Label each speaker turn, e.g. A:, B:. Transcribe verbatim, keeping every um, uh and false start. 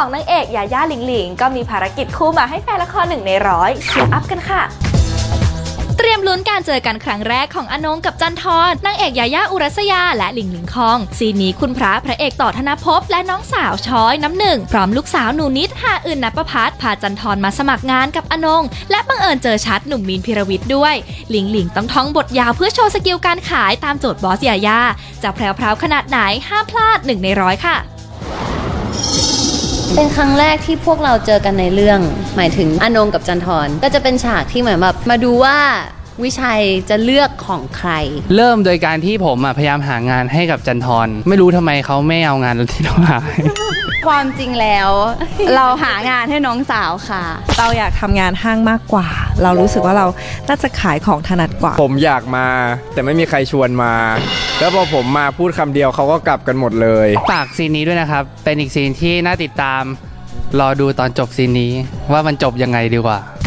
A: ของนางเอกยาย่าหลิงหลิงก็มีภารกิจคู่มาให้แฟนละครหนึ่งในร้อยเชียร์อัพกันค่ะเตรียมลุ้นการเจอกันครั้งแรกของอนงกับจันทร์นางเอกยาย่าอุรัสยาและหลิงหลิงคองซีนนี้คุณพระพระเอกต่อธนภพและน้องสาวช้อยน้ำหนึ่งพร้อมลูกสาวหนูนิดหาอื่นณปภัสพาจันทร์มาสมัครงานกับอนงและบังเอิญเจอชัดหนุ่มมีนพิรวิทย์ด้วยหลิงหลิงต้องท่องบทยาวเพื่อโชว์สกิลการขายตามโจทย์บอสยาย่าจะแพรวๆขนาดไหนห้ามพลาดหนึ่งในร้อยค่ะ
B: เป็นครั้งแรกที่พวกเราเจอกันในเรื่องหมายถึงอนงกับจันทร์ก็จะเป็นฉากที่เหมือนแบบมาดูว่าวิชัยจะเลือกของใคร
C: เริ่มโดยการที่ผมพยายามหางานให้กับจันทร์ไม่รู้ทำไมเขาไม่เอางานที่เราหา
B: ความจริงแล้ว เราหางานให้น้องสาวค่ะ
D: เราอยากทำงานห้างมากกว่าเรารู้สึกว่าเราน่าจะขายของถนัดกว่า
E: ผมอยากมาแต่ไม่มีใครชวนมาแล้วพอผมมาพูดคำเดียวเขาก็กลับกันหมดเลย
C: ฝากซีนนี้ด้วยนะครับเป็นอีกซีนที่น่าติดตามรอดูตอนจบซีนนี้ว่ามันจบยังไงดีกว่า